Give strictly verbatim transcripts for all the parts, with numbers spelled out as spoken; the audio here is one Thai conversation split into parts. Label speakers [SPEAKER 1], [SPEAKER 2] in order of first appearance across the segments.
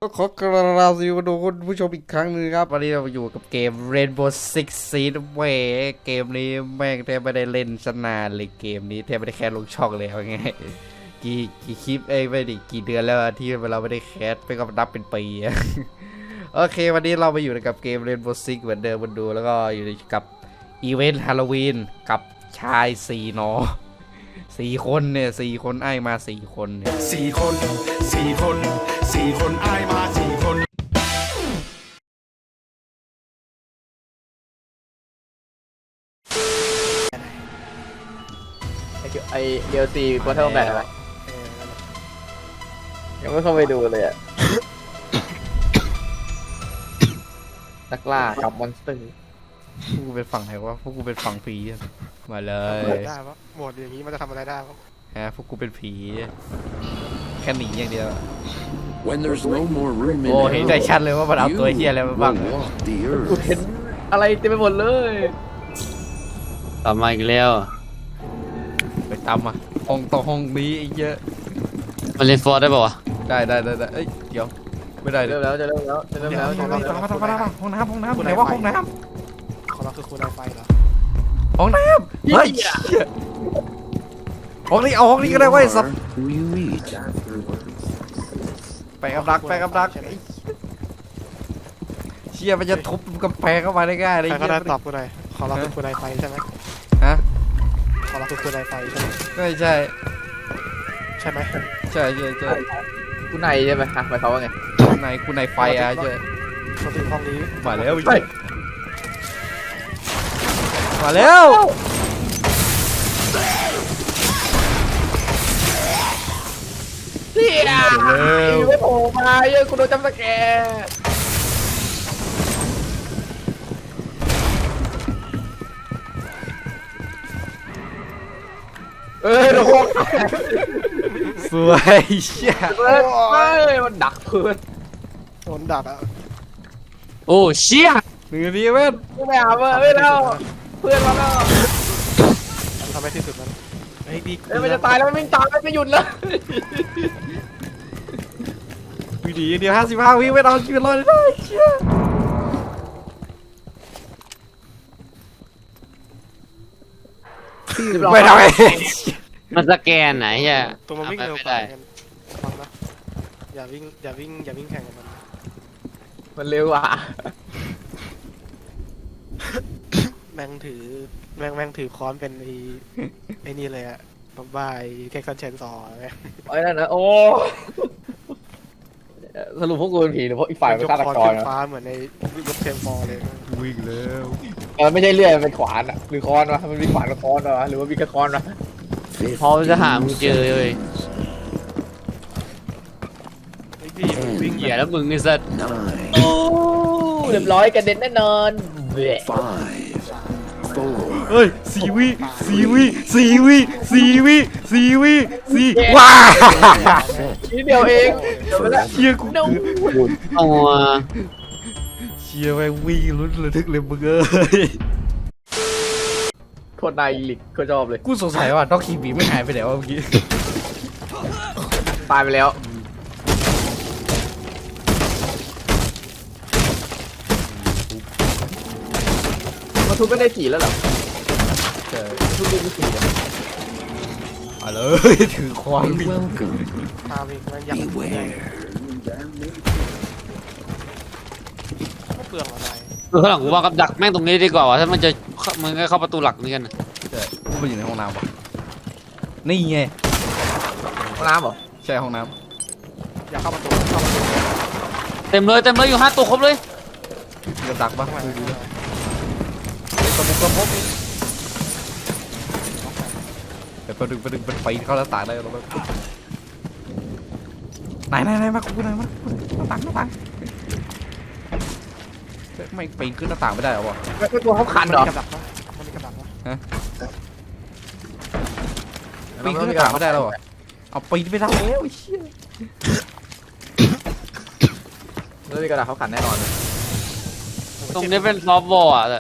[SPEAKER 1] ก็ขอกราบสวัสดีคุณผู้ชมอีกครั้งนึงครับวันนี้เราอยู่กับเกม Rainbow Six Siege แหวเกมนี้แม่งแทบไม่ได้เล่นสนานเลยเกมนี้แทบไม่ได้แคสลงช่องเลยเอาไงกี่กี่คลิปเอ้ไม่ดิกี่เดือนแล้วที่เราไม่ได้แคสไปก็นับเป็นปีโอเควันนี้เราไปอยู่กับเกม Rainbow Six เหมือนเดิมมาดูแล้วก็อยู่กับอีเวนต์ฮาโลวีนกับชายสี่นอสี่คนเนี่ยสี่คนไอ้มาสี่คนเนี่ย
[SPEAKER 2] สี่คนสี่คนสี่คนไอ้มาสี่คน
[SPEAKER 3] ไอเดลซีโปรเทลแบบอะไรยังไม่เข้าไปดูเลยอ่ะ นักล่ากับมอนสเตอร์
[SPEAKER 1] พวกกูเป็นฝั่งไหนวะพวกกูเป็นฝั่งผีมาเลย
[SPEAKER 4] ได้ปะโหมดอย่างนี้มันจะทำอะไรได้ปะ
[SPEAKER 1] ฮะพวกกูเป็นผีแค่หนีอย่างเดียว
[SPEAKER 2] When there's no more room in
[SPEAKER 1] โอ้เห็นได้ชัดเลยว่ามันเอาตัวเฮียอะไรมาบ้าง
[SPEAKER 3] กูเห็นอะไรเต็มไปหมดเลย
[SPEAKER 5] ตามมาอีกแล้ว
[SPEAKER 1] ไปตามมาห้องต่อห้องนี้เยอะ
[SPEAKER 5] มันเล่นฟอร์ได้ป่าวะ
[SPEAKER 1] ได้ได้ได้ได้เอ้ยเดี๋ยวไม่ได้เล
[SPEAKER 3] เริ่
[SPEAKER 1] ย
[SPEAKER 3] มแล้วจะเริ่มแล้วจะเริ่มแล้วจะเริ่ม
[SPEAKER 1] ตาม
[SPEAKER 3] แล้ว
[SPEAKER 1] มาตามมาตามมาห้องน้ำห้องน้ำไหนว่าห้องน้
[SPEAKER 4] ของเราคือคุณไอไฟเหรอ
[SPEAKER 1] ำห้องน้ำเฮ้ยห้องนี้เอาห้องนี้ก็ได้เว้ยสับ
[SPEAKER 2] Who you meet
[SPEAKER 1] ไปกับดักไปกับดักเชี่ยมันจะทุบกำแพงเข้ามาได้ง่ายเลย
[SPEAKER 4] ใครก็ได้ตอบกูหน่อยของเราคือคุณไอไฟใช่ไหม
[SPEAKER 1] ฮะ
[SPEAKER 4] ของเราคือคุณไอไฟใช่ไหม
[SPEAKER 1] ไม่ใช่
[SPEAKER 4] ใช่ไหม
[SPEAKER 1] ใช่ใช่ใช่
[SPEAKER 3] กูในใช่ไหมฮะหมายความว่าไง
[SPEAKER 1] ในกูในไฟอ่ะใช่
[SPEAKER 4] มาถึงห้องนี้
[SPEAKER 1] มาแล้วมาแล้ว
[SPEAKER 3] เฮียไม่โผล่มาเยอะกูโดนจำสแกร์เอ้ยโดน
[SPEAKER 1] สวยเชี่ย
[SPEAKER 3] เฮ้ยมันดักเพื่อน
[SPEAKER 4] โดนดักอ่ะ
[SPEAKER 5] โอ้เชี่ย
[SPEAKER 1] หนึ่งนาทีเว้น
[SPEAKER 3] ไม่เอาเว้ยไม่เอาเพื่อนมาแล้ว
[SPEAKER 4] ทำให้ที่สุดนั้นเฮ้ยดี
[SPEAKER 3] เอ้ยมันจะตายแล้วมันวิ่งตามมันไม่หยุดเลย
[SPEAKER 1] วิดีเดียวห้าสิบห้าวิไม่เอาชีวิตรอดได้เชี่ยไม่ทำไม
[SPEAKER 5] มันสแกนไหนเฮีย
[SPEAKER 4] ตัวมันวิ่งเร็วกว่ากันฟังนะอย่าวิ่งอย่าวิ่งอย่าวิ่งแข่งกับมัน
[SPEAKER 3] มันเร็วอ่ะ
[SPEAKER 4] แม่งถือแม่งแม่งถือค้อนเป็นไอ้ไอ้นี่เลยอะบำบายเท็กซัสเชนซอว์ไง
[SPEAKER 3] ไอ้นั่นนะโอ้สรุปพวกกูเป็นผีหรือพวกอีกฝ่ายเป็นฆาตกร
[SPEAKER 4] ขึ้น
[SPEAKER 3] นะ
[SPEAKER 4] ฟ้าเหมือนในรถเทมฟอร์เลย
[SPEAKER 1] วิ่งแล้ว
[SPEAKER 3] มันไม่ใช่เลื่อยมันเป็นขวานอ่ะหรือค้อนวะมันมีขวานกับค้อนวะหรือว่ามีแค่ค้อนวะ
[SPEAKER 5] พอจะหามึงเจอเลย
[SPEAKER 4] ไอ้พี่มันวิ่ง
[SPEAKER 5] เหี้ยแล้วมึงไอ้สัส
[SPEAKER 3] โอ้เรียบร้อยกระเด็นแน่นอนเบ้
[SPEAKER 2] five four
[SPEAKER 1] เฮ้ยสี่วิสี่วิสี่วิสี่วิสี่วิสี่ว้า
[SPEAKER 3] นิดเดียวเองเดี๋ยวไปละ
[SPEAKER 1] เชี่ยกู
[SPEAKER 5] เอาอ่ะ
[SPEAKER 1] เชี่ยแม่งวิ่งลุ้นระทึกเลยมึงเอ้ย
[SPEAKER 3] โคตรนายลิกโคตรชอบเลย
[SPEAKER 1] กูสงสัยว่าด็อกคีบีไม่หายไปไหนวะเมื่อกี้
[SPEAKER 3] ตายไปแล้วมาทุบไม่ได้ผีแล้วเหรอ
[SPEAKER 1] ใช่
[SPEAKER 3] ทุบไม่ได้ผีเลย
[SPEAKER 1] มาเลยถือควานวิ่ง
[SPEAKER 2] welcome
[SPEAKER 4] พาวิ่งมันอยาก
[SPEAKER 2] beware
[SPEAKER 4] ไม่เปลืองอะไร
[SPEAKER 5] คือข้างหลังกูว่ากับดักแม่งตรงนี้ดีกว่าวะถ้ามันจะมันก็เข้าประตูหลักนี่กัน
[SPEAKER 1] ใช่กูไปอยู่ในห้องน้ำวะนี่ไง
[SPEAKER 3] ห้องน้ำเหรอ
[SPEAKER 1] ใช่ห้องน้
[SPEAKER 4] อยากเข้าประตูเข้าประตู
[SPEAKER 5] เต็มเลยเต็มเลยอยู่ห้าตัวครบเลย
[SPEAKER 1] ำจะดักปะ
[SPEAKER 4] ทำไม
[SPEAKER 1] ดูดิกระมุกกระมุกแต่ประดึงประดึงเป็นไฟเข้าหน้าต่างได้หรอไหนไหนไหนมากูไหนมาหน้าต่างหน้าต่างไม่ปีนขึ้นหน้าต่างไม่ได้หรอวะ
[SPEAKER 3] ไม่ตัวเขาคัน
[SPEAKER 4] มัน
[SPEAKER 3] เหรอ
[SPEAKER 4] มีกับดักปะมันมีกับดักปะ
[SPEAKER 1] ปีนขึ้นหน้าต่างไม่ได้แล้วเหรอเอาปีนไม่ได้แล้วไอ้เชี่ย
[SPEAKER 3] เรื่องนี้กระดาษเขาขันแน่นอนเลย
[SPEAKER 5] ตรงนี้เป็นซอฟต์วอลอ่ะแต่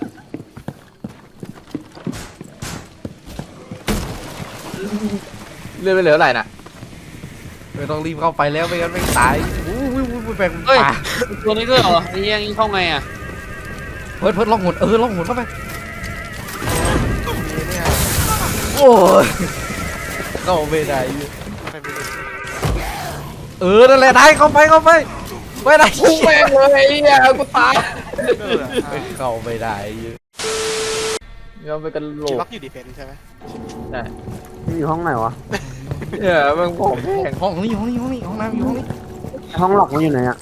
[SPEAKER 3] เลื่อนไปเหลืออะไรน่ะ
[SPEAKER 1] ไม่ต้องรีบเข้าไปแล้วไม่งั้นไม่ตายอู้หูแบ่ง
[SPEAKER 5] เฮ้ย
[SPEAKER 1] ป่า
[SPEAKER 5] ตัวนี้ด้วยเหรอไอ้ยังเข้าไงอ่ะ
[SPEAKER 1] เพิร์ดเพิร์ดลองหุ่นเออลองหุ่นเข้าไปโอ้ยเข้าไม่ได้เออนั่นแหละได้เข้าไปเข้าไปไม่ได้
[SPEAKER 3] กูแม่งเลยไอ้เหี้ยกูตาย
[SPEAKER 1] เข้าไม่ได้
[SPEAKER 3] ยอมไปกันโหล
[SPEAKER 4] คิด
[SPEAKER 3] ก
[SPEAKER 4] ล็อกอยู่ดีเฟนใช่ไหม
[SPEAKER 6] อยู่ห้องไหนวะ
[SPEAKER 3] เนี่ยมึงผมแม่ง
[SPEAKER 1] ห้องนี้ห้องนี้ห้องนี้ห้องน้ำอยู่ห้องนี้
[SPEAKER 6] ห้องหลอกมันอยู่ไหนอะ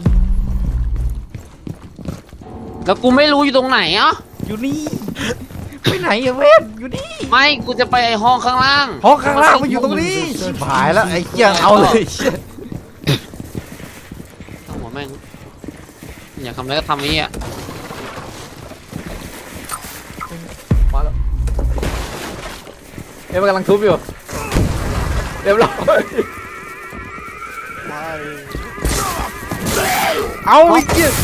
[SPEAKER 5] แล้วกูไม่รู้อยู่ตรงไหนอ่ะ
[SPEAKER 1] อยู่นี่ไปไหนอะเว้ยอยู่นี่
[SPEAKER 5] ไม่กูจะไปไอ้ห้องข้างล่าง
[SPEAKER 1] ห้องข้างล่างมันอยู่ตรงนี้ชิบหายแล้วไอ้เหี้ยเอาเลยเหี้ย
[SPEAKER 5] หัวแม่งอยากทำอะไรก็ทำนี้อ่ะ
[SPEAKER 3] มาแล้วเอ้ยมันกำลังทุบอยู่เรียบร้อย
[SPEAKER 4] ไม่
[SPEAKER 1] เอาไอ้เหี้ย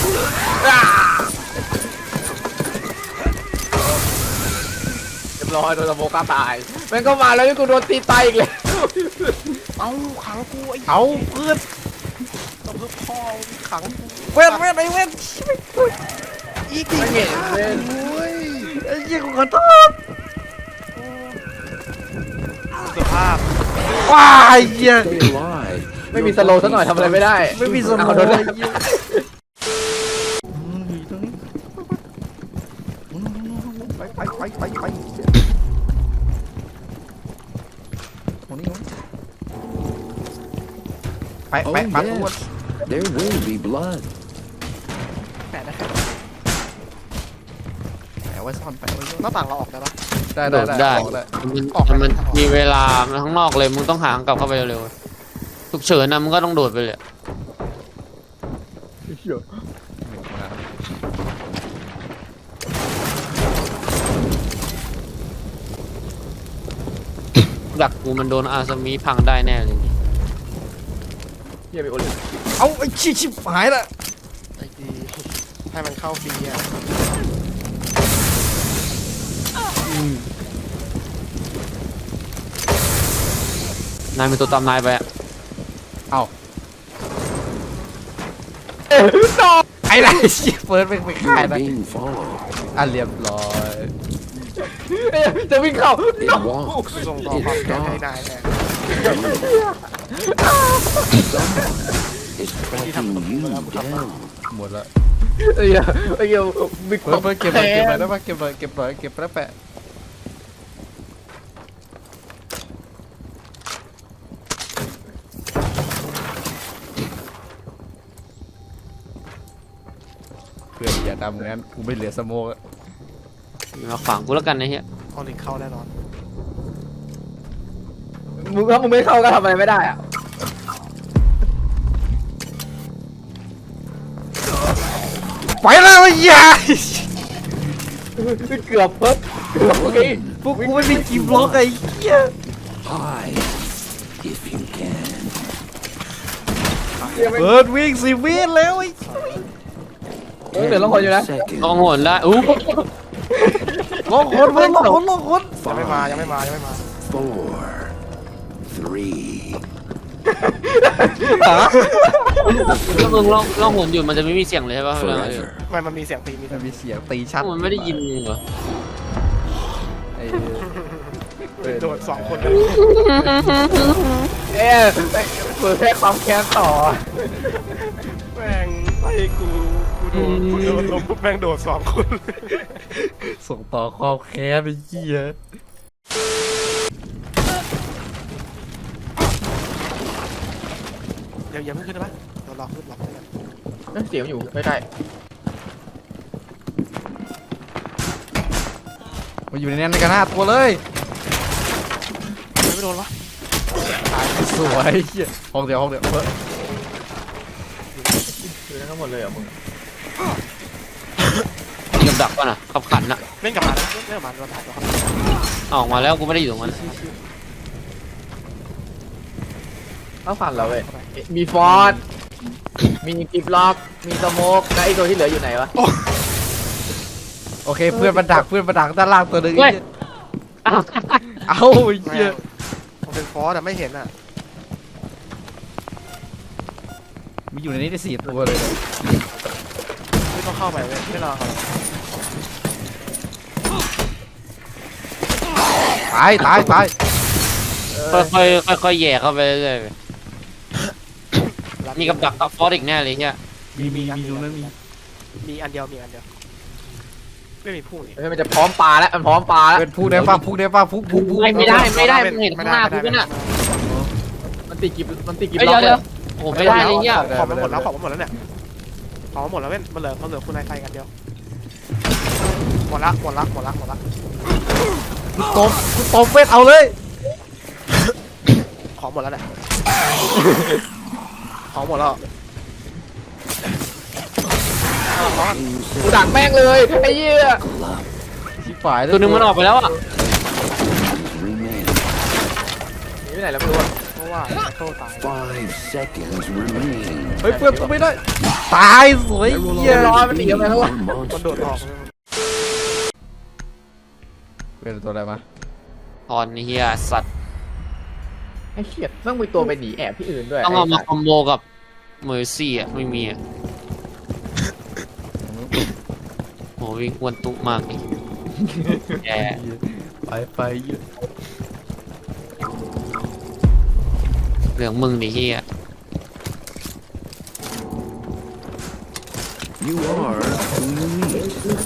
[SPEAKER 3] เรียบร้อยโดนสโมกฆ่าตายแม่งก็มาแล้วนี่กูโดนตีตายอีกเลย
[SPEAKER 4] เอาขังกูไอ้
[SPEAKER 1] เอาเพื่อน
[SPEAKER 4] ต้องเพื่อพ่อขังกู
[SPEAKER 1] เว้นเว้นไอ้เว้น
[SPEAKER 4] อีกดิ
[SPEAKER 3] ไม่เห็นเลย
[SPEAKER 1] ไอ้เหี้ยกูขอโทษ
[SPEAKER 4] สภาพ
[SPEAKER 1] ว้ายไอ้เหี้ย
[SPEAKER 3] ไม่มีสโลว์ซะหน่อยทำอะไรไม่ได้
[SPEAKER 1] ไม่มีสม
[SPEAKER 3] เอา
[SPEAKER 1] อง
[SPEAKER 3] โดน
[SPEAKER 1] เล
[SPEAKER 3] เลย ย
[SPEAKER 1] ไปไปไปไปไปตรงนี้ไปไปไปตัว
[SPEAKER 7] There will be blood.
[SPEAKER 4] แปะนะครับ
[SPEAKER 1] แปะไว้ซ่อนแปะไว้ซ่อน
[SPEAKER 4] หน้าต่างเราออกได้ปะ
[SPEAKER 1] ได้
[SPEAKER 5] โด
[SPEAKER 1] ได้
[SPEAKER 5] ด
[SPEAKER 1] ได้
[SPEAKER 5] ได้
[SPEAKER 1] ออกได้
[SPEAKER 5] มัน
[SPEAKER 4] ออกไป
[SPEAKER 5] มัน
[SPEAKER 4] ทางออก
[SPEAKER 5] มีเวลามันข้างนอกเลยมึงต้องหาทางกลับเข้าไปเร็วๆฉุกเฉินนะมึงก็ต้องโดดไปเลยดักกูมันโดนอาซามิพังได้แน่เลย
[SPEAKER 3] เฮียไปโอลิม
[SPEAKER 1] เอาไอ้ชิชิบหายละ
[SPEAKER 4] ไอ้ดีให้มันเข้าฟรีอ่ะ
[SPEAKER 5] นายเป็นตัวตามนายไปอะ
[SPEAKER 1] ไอ้ไรชิเฟิร์สไปไปขาย
[SPEAKER 7] You're
[SPEAKER 1] นะ
[SPEAKER 7] being followed.
[SPEAKER 1] อ่ะเรียบร้อย
[SPEAKER 3] เอ้ยจะวิ่งเข้า
[SPEAKER 7] It walks.
[SPEAKER 4] ส่งต่อ
[SPEAKER 7] It
[SPEAKER 4] ความแค้นให้
[SPEAKER 7] stalks.
[SPEAKER 4] นายแทน
[SPEAKER 7] It's tracking you down.
[SPEAKER 1] หมดละ
[SPEAKER 3] ไอ้เหี้ยไอ้เหี้ยบิ๊ก
[SPEAKER 1] เฟิร์สเฟิร์สเก็บหน่อยเก็บหน่อยได้ปะเก็บหน่อยเก็บหน่อยเก็บแล้วแปะเพื่อนอย่าทำงั้นกูไม่เหลือสโมกอะ
[SPEAKER 5] มาขวางกูแล้วกันนะเฮีย
[SPEAKER 4] เอาลิงเข้าแน่นอน
[SPEAKER 3] มึงถ้ามึงไม่เข้าก็ทำอะไรไม่ได้อะ
[SPEAKER 1] ไปแล้วไอ้เหี้ย
[SPEAKER 3] เกือบเพิ่มเกือบเมื่อกี้
[SPEAKER 1] พวกกูไม่มีกีบล็อกไอ้เหี้ย
[SPEAKER 7] Hide if you can.
[SPEAKER 1] เปิดวิ่งสิวิ่งแล้วไอ้
[SPEAKER 3] เออเดี๋ยวลองคนอยู่นะ
[SPEAKER 5] ลอง
[SPEAKER 7] Seconds.
[SPEAKER 5] โหนได้อู้
[SPEAKER 1] ลองคนเพื่อนลองคนลองคน
[SPEAKER 4] ยังไม่มายังไม่มายังไม่มา
[SPEAKER 7] Four. Three.
[SPEAKER 5] ถ้ามึงลองลองโหนอยู่มันจะไม่มีเสียงเลยใช่ป่ะ
[SPEAKER 7] Forever.
[SPEAKER 4] มันมันมีเสียงตีมีเสี
[SPEAKER 1] มั
[SPEAKER 4] ย
[SPEAKER 1] น
[SPEAKER 4] ง
[SPEAKER 1] มีเสียงตีชัด
[SPEAKER 5] มันไม่ได้ยินมึงเหรอ
[SPEAKER 1] ไอ้
[SPEAKER 4] โดดสองคน
[SPEAKER 3] เอ๊ะเปิดแค่ความแค้นต่อ
[SPEAKER 4] แม่งไอ้กูกูโดนกูโดนลมปุ๊บแม่งโดดสองคน
[SPEAKER 1] ส่งต่อความแค้นไอ้เหี้ย
[SPEAKER 4] เดี๋ยวอย่าเพิ่งขึ้นได้ปะเดี๋ยวรอขึ้นรอขึ้นกัน
[SPEAKER 3] เอ้ยเสียงอยู่ใกล้
[SPEAKER 1] มาอยู่ในนั้นในกันหน้าตัวเลย
[SPEAKER 4] ไม่โดนวะ
[SPEAKER 1] สวยเหี้ยห้องเดียวห้องเดียวเพิ่ม
[SPEAKER 3] ๆคือทั้งหมดเลยเหรอมึง
[SPEAKER 5] มีกับดักป่ะน่ะขับขันน่ะ
[SPEAKER 4] เล่นกับมันนะเล่นกับมันเราถ่ายตัวครับ
[SPEAKER 5] เอาออกมาแล้วกูไม่ได้อยู่ตรงนั้น
[SPEAKER 3] ต้องฟันเราเว้ยมีฟอร์ดมีกิฟล็อกมีสโมกแล้วไอ้ตัวที่เหลืออยู่ไหนวะ
[SPEAKER 1] โอเคเพื่อนมาดักเพื่อนมาดักด้านล่างตัวหนึงไอ้เหี้ย
[SPEAKER 5] อ้าว
[SPEAKER 1] เอาไอ้
[SPEAKER 4] แม่
[SPEAKER 1] เหี้ย
[SPEAKER 4] งมันเป็นฟอสแต่ไม่เห็นอ่ะ
[SPEAKER 1] มีอยู่ในนี้ได้สี่ตัวเลย
[SPEAKER 4] ไม่ต้องเข้าไปเลยไม่รอเขา
[SPEAKER 1] ตายตายตาย
[SPEAKER 5] ค่อยๆค่อยๆแย่เข้าไปเรื่อยๆมีกับดักกับฟอสอีกแน่เลยเนี่ย
[SPEAKER 1] มีมีมีตรงนั้นมี
[SPEAKER 4] มีอันเดียวมีอันเดียวไม่มีพุ่งนี่
[SPEAKER 3] เฮ้ยมันจะพร้อมปลาแล้วมันพร้อมปลาแล้ว
[SPEAKER 1] เป็นพูดได้ป่ะพูดได้ป่ะพูดพูดพูด
[SPEAKER 5] ไม่ไม่ได้ไม่ได้มึงเห็นข้างหน้ากูเป็นอ่ะ
[SPEAKER 3] มันติดกิบมันติดกิบ
[SPEAKER 5] เอ้ย
[SPEAKER 3] ล็อก
[SPEAKER 5] เดี๋ยว
[SPEAKER 3] เล
[SPEAKER 5] เดี๋ย
[SPEAKER 3] ยว
[SPEAKER 5] โอ้โหไม่ได้เลยเนี่ย
[SPEAKER 4] ของมันหมดแล้วของมันหมดแล้วเนี่ยของมันหมดแล้วเว้นมันเหลือมันเหลือคุณนายไทยกันเดียวหมดละหมดละหมดละหมดละ
[SPEAKER 1] กูตบกูตบเวทเอาเลย
[SPEAKER 4] ของหมดแล้วเนี่ยของหมดแล้ว
[SPEAKER 3] กูดักแม่งเลยไอ้เหี้ย
[SPEAKER 1] ชิบฝ่าย
[SPEAKER 5] ตัวหนึงมันออกไปแล้วอ่ะ
[SPEAKER 7] Remain.
[SPEAKER 3] หนีไปไหนแล้วไม่รู้อะ
[SPEAKER 4] เพราะว่าโซ่ตาย
[SPEAKER 7] Five seconds remain.
[SPEAKER 1] เฮ้ยเพื่อนกูไม่ได้ ตายสวยเหี้ย
[SPEAKER 3] ร้อนมันหนีไปแล้ววะ
[SPEAKER 4] มันโดดออก
[SPEAKER 1] เป็นตัวอะไรมา
[SPEAKER 5] ตอนนี้เฮียสัตว์
[SPEAKER 3] ไอ้เหี้ยต้องมีตัวไปหนีแอบที่อื่นด้วย
[SPEAKER 5] ต้องเอามา
[SPEAKER 3] ไสัตว์
[SPEAKER 5] คอมโบกับเมอร์ซี่อ่ะไม่มีอ่ะโหวิ่งอ้วนตุ๊มากนี่แย่
[SPEAKER 1] ไปไปเยอะ
[SPEAKER 5] เหลืองมึงดิเฮีย
[SPEAKER 7] You are who you meet.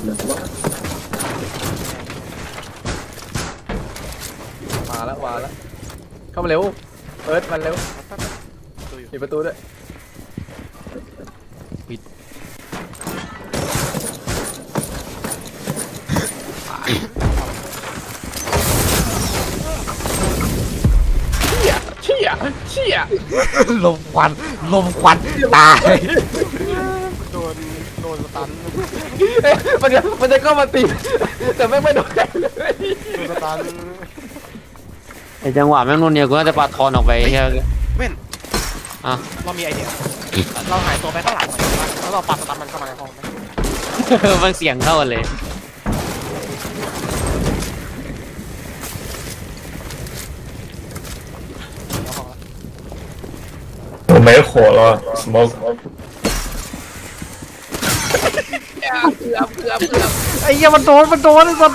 [SPEAKER 3] มาแล้วมาแล้วเข้ามาเร็วเอิร์ธมันเร็ว
[SPEAKER 4] ดูอยู่
[SPEAKER 3] ปิดประตูด้วยเชี่ยเชี่ย
[SPEAKER 1] ลมควันลมควันตาย
[SPEAKER 4] โดนโดนสตัน
[SPEAKER 3] เอ๊ะมันจะมันจะเข้ามาตีแต่ไม่งไม่โดนใครเลย
[SPEAKER 4] โดนสตัน
[SPEAKER 5] ไอจังหวะแม่งนู่นเนี่ยกูน่าจะปาทอนออกไปเฮีย
[SPEAKER 4] เว้น
[SPEAKER 5] อ่ะ
[SPEAKER 4] เรามีไอเดียเราหายตัวไปข้างหลังหน่อยแล้วเราปัดสตันมันเข้ามาในห้องไหม
[SPEAKER 5] มันเสียงเข้ากันเลย
[SPEAKER 8] 没火了，smoke。
[SPEAKER 1] ไอ้เหี้ยมันโดนมันโดนไอ้สัส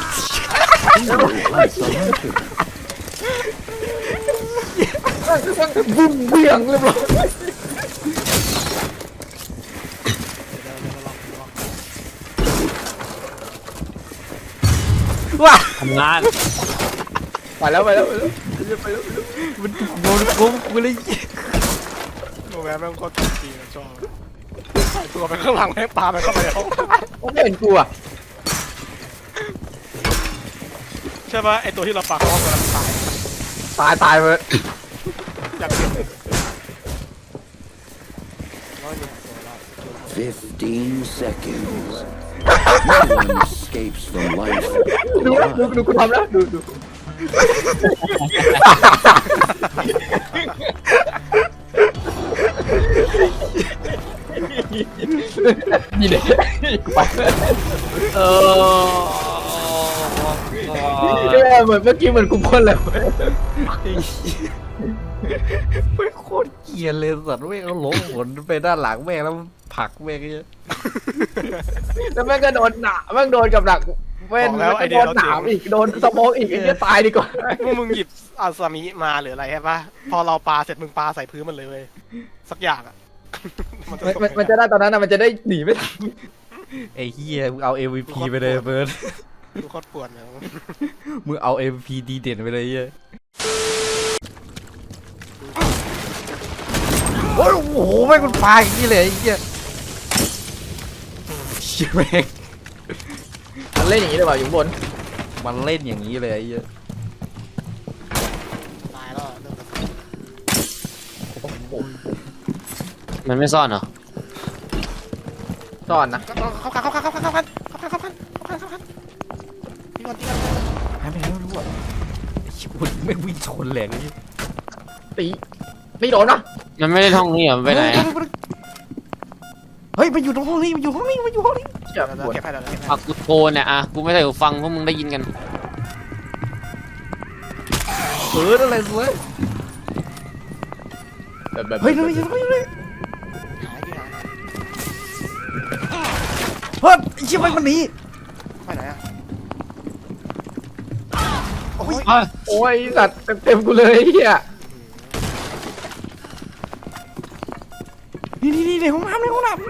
[SPEAKER 3] บุ้มเบี่ยงเรียบร้อย
[SPEAKER 1] ว้า
[SPEAKER 5] ทำงาน
[SPEAKER 3] ไปแล้วไปแล้ว
[SPEAKER 1] มันโดนกูกูเลย
[SPEAKER 4] โนแวร์แม่งโคตรจริงชอบหายตัวไปข้างหลังแม่งปาไปเข้าไปในห้อง
[SPEAKER 3] ไม่เห็นกูอ่ะ
[SPEAKER 4] ใช่ป่ะไอตัวที่เราปาเข้าห้องมันตาย
[SPEAKER 3] ตายตายไป
[SPEAKER 4] อยากเห็นร้อยเนี่ยตัวเรา
[SPEAKER 7] Fifteen seconds. No one escapes from life.
[SPEAKER 3] ดูนะดูดูกูทำแล้วดูดูนี่เลยกูไปแล้ว
[SPEAKER 5] เออ
[SPEAKER 3] เนี่ยเหมือนเมื่อกี้เหมือนกูพ่นเลย
[SPEAKER 1] ไม่โคตรเกลียดเลยสัตว์แม่งเอาหลงหนไปด้านหลังแม่งแล้วผลักแม่งเงี้ย
[SPEAKER 3] แล้วแม่งก็โดนหนาแม่งโดนกับหนักเว้นแล้วโดนหนามอีกโดนสโมกอีกไอ้เหี้ยตายดีกว่า
[SPEAKER 4] พวกมึงหยิบอาซามิมาหรืออะไรใช่ป่ะพอเราปาเสร็จมึงปาใส่พื้นมันเลยเว้ยสักอย่างอ่ะมันจะ
[SPEAKER 3] มันมันจะได้ตอนนั้นนะมันจะได้หนีไม่ทัน
[SPEAKER 1] ไอ้เหี้ยมึงเอา เอ็ม วี พี ไปเลยเบิร์ด
[SPEAKER 4] ดูโคตรปวดเลย
[SPEAKER 1] มึงเอา เอ็ม วี พี ดีเด่นไปเลยเหี้ยโอ้โหแม่งมันปลาอย่างนี้เลยไอ้เหี้ยเชี่ยแม่ง
[SPEAKER 3] มันเล่นอย่างนี้เลยเปล่าอยู่ข้างบน
[SPEAKER 1] มันเล่นอย่างนี้เลยไอ้เหี้ย
[SPEAKER 4] ตายแล้วเริ่ม
[SPEAKER 5] มันไม่ซ่อนเหรอ
[SPEAKER 3] ซ่อนนะ
[SPEAKER 4] เข้ากันเข้ากันเข้ากันเข้ากันเข้ากันเข้ากันเข้ากันเข้ากันตีก่อนตีก่อน
[SPEAKER 1] หายไปไหนไม่รู้อ่ะไอ้เหี้ยมันไม่งวิ่งชนแหลงไอ้เหี้ย
[SPEAKER 3] ตีไม่โดนนะ
[SPEAKER 5] มันไม่ได้ท่องนี่เหรอมันไปไหนอะ
[SPEAKER 1] เฮ้ยมันอยู่ตรงห้องนี้มันอยู่ห้องนี้มันอยู่ห้องนี้
[SPEAKER 3] เจ็บ
[SPEAKER 4] เดี๋ยว
[SPEAKER 3] ปวด
[SPEAKER 4] เก็บให้เดี๋ยวเก็บให้
[SPEAKER 5] อ่ะกูโทรเนี่ยอ่ะกูไม่ใส่หูฟังพวกมึงได้ยินกัน
[SPEAKER 1] เออนั่นแหละสวย
[SPEAKER 3] แบบแบบ
[SPEAKER 1] เฮ้ยนั่นนี่นั่นนี่
[SPEAKER 4] หา
[SPEAKER 1] เฮ้ยไอ้เชี่ยมันมันหนี
[SPEAKER 4] ไปไหนอ่ะ
[SPEAKER 5] เอ้ย
[SPEAKER 3] โอ้ยสัตว์เต็มๆกูเลยไอ้เฮีย
[SPEAKER 1] นี่นี่นี่ในห้องน้ำในห้องน้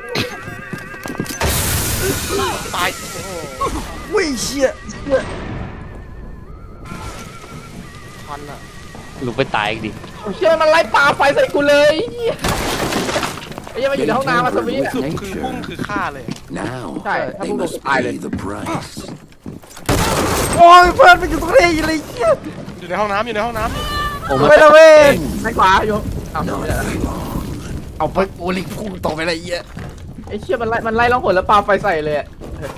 [SPEAKER 4] ตายโอ้โห
[SPEAKER 1] ำวิ่งเชี่ย
[SPEAKER 4] ทันอ่ะ
[SPEAKER 5] ลุกไปตายอีกดิ
[SPEAKER 3] เชื่อมันไล่ปาไฟใส่กูเลยไอ้เหี้ยไอ้เหี้ยมันอยู่ในห้องน้ำมาสวีท
[SPEAKER 7] With
[SPEAKER 4] คือพุ่ง
[SPEAKER 7] nature.
[SPEAKER 4] คือฆ่าเลย
[SPEAKER 7] Now
[SPEAKER 3] Sorry,
[SPEAKER 7] they
[SPEAKER 3] I'm
[SPEAKER 7] must
[SPEAKER 3] gonna
[SPEAKER 7] pay
[SPEAKER 3] go
[SPEAKER 7] the price.
[SPEAKER 1] โอ้ยเพื่อนมันอยู่ตรงนี้อะไรเชี่ย
[SPEAKER 4] อยู่ในห้องน้ำอยู่ในห้องน้ำ
[SPEAKER 5] โอ้
[SPEAKER 1] ไป
[SPEAKER 5] มัน
[SPEAKER 1] ละเว้ย
[SPEAKER 3] ซ้ายขวาโยมเอา
[SPEAKER 7] Not
[SPEAKER 3] ไม่ได้ละ
[SPEAKER 7] for long.
[SPEAKER 1] เอาไปโอลิพุ่งต่อไปละเอี้ย
[SPEAKER 3] ไอ้เชี่ยมันไล่มันไล่ล่องหนแล้วปาไฟใส่เลยอะ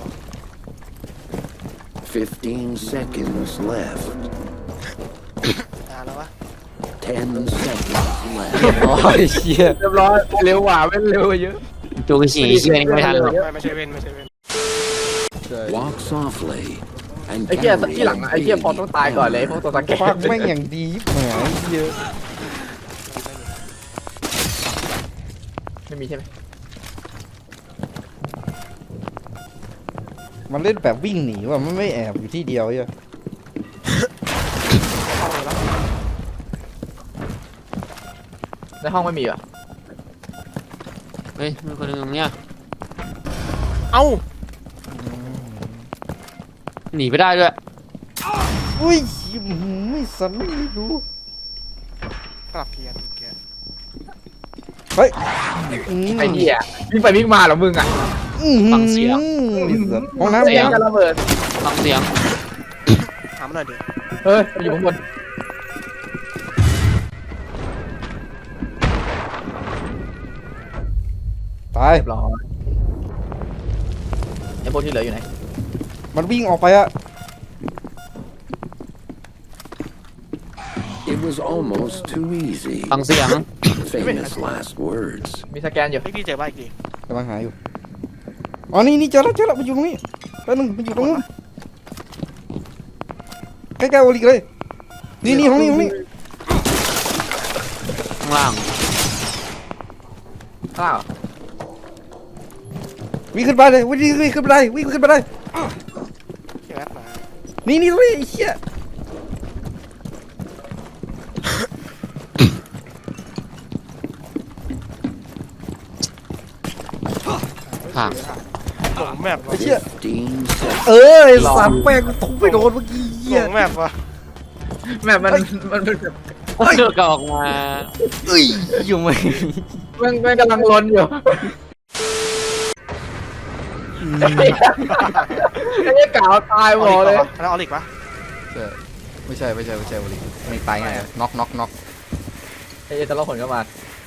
[SPEAKER 7] Fifteen seconds left.
[SPEAKER 4] นานแล้ววะ
[SPEAKER 7] Ten seconds left.
[SPEAKER 1] โอ้ยเชี่ย
[SPEAKER 3] เรียบร้อยเร็วกว่าเว้นเร็วกว่าเยอะ
[SPEAKER 5] ตัวกระฉี่เชี่ยนี่ไม่ทันหรอก
[SPEAKER 4] ไม่ไม่ใช่เว้นไม่ใช่เว้น
[SPEAKER 7] Walk softly and
[SPEAKER 3] ไอ้เชี่ย
[SPEAKER 7] carry
[SPEAKER 3] ที่หลังอะไอ้เชี่ยพอต้องตายก่อนเลยพวกตัวตะแกร
[SPEAKER 1] ฟัก
[SPEAKER 3] ง
[SPEAKER 1] แม่งอย่างดีแหมเยอะ
[SPEAKER 3] ไม่มีใช่ไหม
[SPEAKER 1] มันเล่นแบบวิ่งหนีว่ะมันไม่แอบอยู่ที่เดียวเหี้ย
[SPEAKER 3] ในห้องไม่มีเหรอ
[SPEAKER 5] เฮ้ยมีคนหนึงตรงเนี้ย
[SPEAKER 4] เอ้า
[SPEAKER 5] หนีไปได้ด้วย
[SPEAKER 1] อุ้ยไม่สันไม่รู้
[SPEAKER 4] ปรับเพียนเกียร์
[SPEAKER 1] เฮ้ยอืม
[SPEAKER 3] ไอ้เหี้ยวิ่งไปวิ่งมาเหรอมึงอะ
[SPEAKER 5] ฟังเสียง
[SPEAKER 1] ไอ้สัสห้องน้ำ
[SPEAKER 3] เสียงจะระเบิด
[SPEAKER 5] ฟังเสียง
[SPEAKER 4] ถามหน่อยดิ
[SPEAKER 3] เฮ้ยมันอยู่ข้างบน
[SPEAKER 1] ตาย
[SPEAKER 3] เรียบร้อยไอ้พวกที่เหลืออยู่ไหน
[SPEAKER 1] มันวิ่งออกไปอะ
[SPEAKER 7] It was almost too easy.
[SPEAKER 5] ฟังเสียง
[SPEAKER 7] Famous last words.
[SPEAKER 3] มีสแกนอยู่
[SPEAKER 4] ไอ้พี่เจอบ้าอีกที
[SPEAKER 1] กำลังหาอยู่อ๋อนี่นี่เจอแล้วเจอแล้วมันอยู่ตรงนี้แป๊บนึงมันอยู่ตรงนู้นใกล้ๆโอลิกเลยนี่นี่ห้องนี้ห้องนี้
[SPEAKER 5] ข้างล่าง
[SPEAKER 3] ข้างล่างเหรอ
[SPEAKER 1] วิ่งขึ้นไปเลยวิ่งวิ่งขึ้นไปเลยวิ่งขึ้นไปเลย
[SPEAKER 4] ใช่ไหมมา
[SPEAKER 1] นี่นี่ตรงนี้ไอ้เหี้ย
[SPEAKER 5] ห่าง
[SPEAKER 4] หลงแมป
[SPEAKER 1] ไอ้
[SPEAKER 4] วะ
[SPEAKER 1] เหี้ย
[SPEAKER 7] Fifteen seconds.
[SPEAKER 1] เออไอ้สามแป้งกูทุบไปโดนเมื่อกี้
[SPEAKER 4] ห
[SPEAKER 1] เหี้
[SPEAKER 4] ล
[SPEAKER 1] ย
[SPEAKER 4] งแมปวะ
[SPEAKER 3] แม่มันมันเป็นแบบ
[SPEAKER 5] เจอกออกมา
[SPEAKER 1] เอ้ยอยู่ไหม
[SPEAKER 3] แม่งแม่งกำลังลนอยู่ไอ้เหี้ยกาวตายหมดเลย
[SPEAKER 4] แล้วเอาอีกปะ
[SPEAKER 1] ไม่ใช่ไม่ใช่ไม่ใช่โอลิกไม่ตายง่ายน็อกน็อกน็อก
[SPEAKER 3] ไอ้เหี้ยจะล่องหนเข้ามา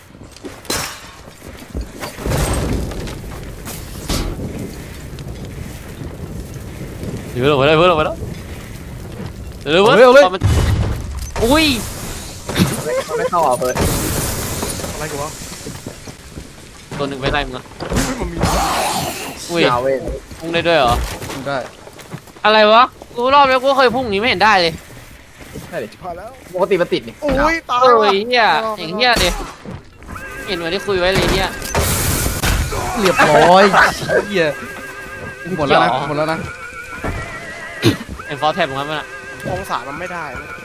[SPEAKER 5] เดี๋ยวลงไปได้เพื่อนลงไปแล้วเร็วเว้ยมันอุ้ย
[SPEAKER 3] มันไม่เข้าอ่ะเฟิร์ส
[SPEAKER 4] อะไรกูวะ
[SPEAKER 5] ตัวหนึ่งไปไหนมึงอะ
[SPEAKER 4] เฮ้ยมันมี
[SPEAKER 5] อุ้ย
[SPEAKER 3] ยาวเว้ย
[SPEAKER 5] พุ่งได้ด้วยเหรอ
[SPEAKER 1] ได้
[SPEAKER 5] อะไรวะกูรอบแล้วกูเคยพุ่งอย่างนี้ไม่เห็นได้เลย
[SPEAKER 3] ได้ดิ
[SPEAKER 4] พอแล้ว
[SPEAKER 3] ปกติมันติดนี่
[SPEAKER 4] โอ้ยตาย
[SPEAKER 5] โอ้
[SPEAKER 4] ว่ะ
[SPEAKER 5] ยเฮียอย่างเฮียดิเห็นเหมือนที่คุยไว้เลยเนี่ย
[SPEAKER 1] เรียบร้อยเหี้ยหมดแล้วนะหมดแล้วนะ
[SPEAKER 5] ไอ้ฟอสแท็บของมันมันอะ
[SPEAKER 4] องศามันไม่ได้เว้ย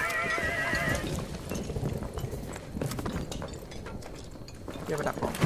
[SPEAKER 3] เหี้ยมาดักของ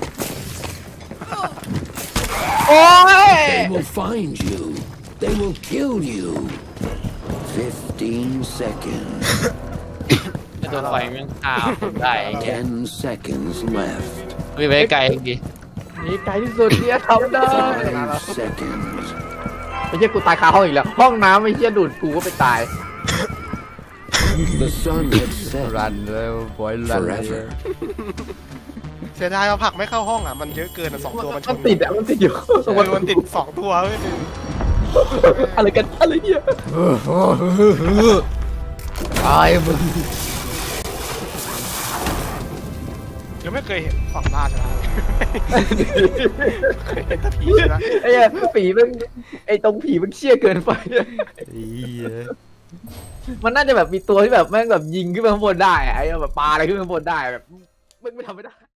[SPEAKER 7] They will find you. They will kill you. Fifteen seconds.
[SPEAKER 5] ไอ้ตัวไฟแม่งฆ่าคนได้ไอ้เหี้ย
[SPEAKER 7] Ten seconds left.
[SPEAKER 5] วิ่งไปไกลอีกดิ
[SPEAKER 3] นี่ไกลที่สุดที่จะทำได้
[SPEAKER 7] Five seconds.
[SPEAKER 3] ไอ้เหี้ยกูตายคาห้องอีกแล้ว ห้องน้ำไอ้เหี้ยดูดกูก็ไปตาย
[SPEAKER 7] The sun had set
[SPEAKER 1] รันเลยบอยรัน
[SPEAKER 7] forever.
[SPEAKER 4] เสียดายเราผลักไม่เข้าห้องอ่ะมันเยอะเกินอ่ะสองตัวมันช
[SPEAKER 3] มัน
[SPEAKER 4] น
[SPEAKER 3] ติดอ่ะ มันติดอยู่
[SPEAKER 4] เออมันติดสองตัวเว้ย
[SPEAKER 3] อะไรกัน อะไรเนี่ย
[SPEAKER 1] ตายมึง
[SPEAKER 4] ยังไม่เคยเห็นฝั่งล่าชนะเลยเคยเห็นแต่ผีชนะ
[SPEAKER 3] ไอ้เหี้ยผีมันไอ้ตรงผีมันเชี่ยเกินไป มันน่าจะแบบมีตัวที่แบบแม่งแบบยิงขึ้นไปข้างบนได้อะไอ้แบบปาอะไรขึ้นไปข้างบนได้แบบไม่ไม่ทำไม่ได้